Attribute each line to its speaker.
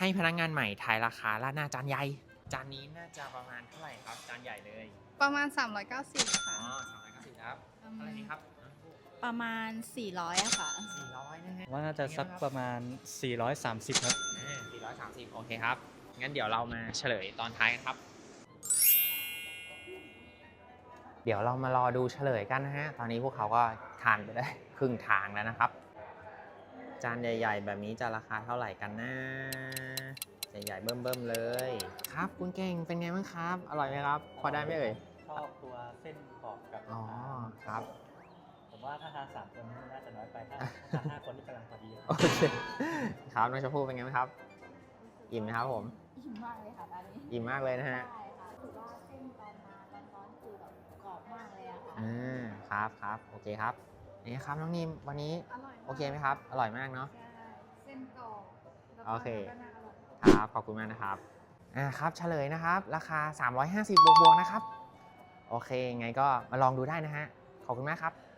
Speaker 1: ให้พนักงานใหม่ทายราคาราดหน้าจานใหญ่จานนี้น่าจะประมาณเท่าไหร่ครับจานใหญ่เลย
Speaker 2: ประมาณ390ค่ะ
Speaker 1: 390ครับเท่าไหร่นี้ครับ
Speaker 3: ประมาณ400อะค่ะ
Speaker 1: 400นะฮะ
Speaker 4: ว่าน่าจะสักประมาณ430ครับ
Speaker 1: 430โอเคครับงั้นเดี๋ยวเรามาเฉลยตอนท้ายกันครับเดี๋ยวเรามารอดูเฉลยกันนะฮะตอนนี้พวกเขาก็ทานไปได้ครึ่งทางแล้วนะครับจานใหญ่ๆแบบนี้จะราคาเท่าไหร่กันนะใหญ่ๆเบิ่มๆเลยครับคุณเก่งเป็นไงบ้างครับอร่อยไหมครับพอได้ไหมเอ่ย
Speaker 4: ชอบตัวเส้นกรอบกับ
Speaker 1: อ๋อครับ
Speaker 4: ผมว่าถ้าทาน3 คนน่าจะน้อยไปถ้าทาน5 คนนี่กำลังพอดี
Speaker 1: โอเคครับน้องชมพู่เป็นไงบ้างครับอิ่มไหมครับผม
Speaker 3: อิ่มมากเลยค่ะอันนี้
Speaker 1: อิ่มมากเลยนะฮะ
Speaker 3: ใช่ค่ะถือว่าเส้นตอนมาร้อนๆคือแบบกรอบมากเลยอะค่ะ
Speaker 1: ครับโอเคครับนี่ครับน้องนิมวันนี้โอเคไหมครับอร่อยมากเนาะ
Speaker 2: ใช่เส้นกรอบแล้วก็
Speaker 1: โอเค
Speaker 2: ก็น่าอร่อย
Speaker 1: ครับขอบคุณมากนะครับครับเฉลยนะครับราคา350บวกๆนะครับโอเคไงก็มาลองดูได้นะฮะขอบคุณมากครับ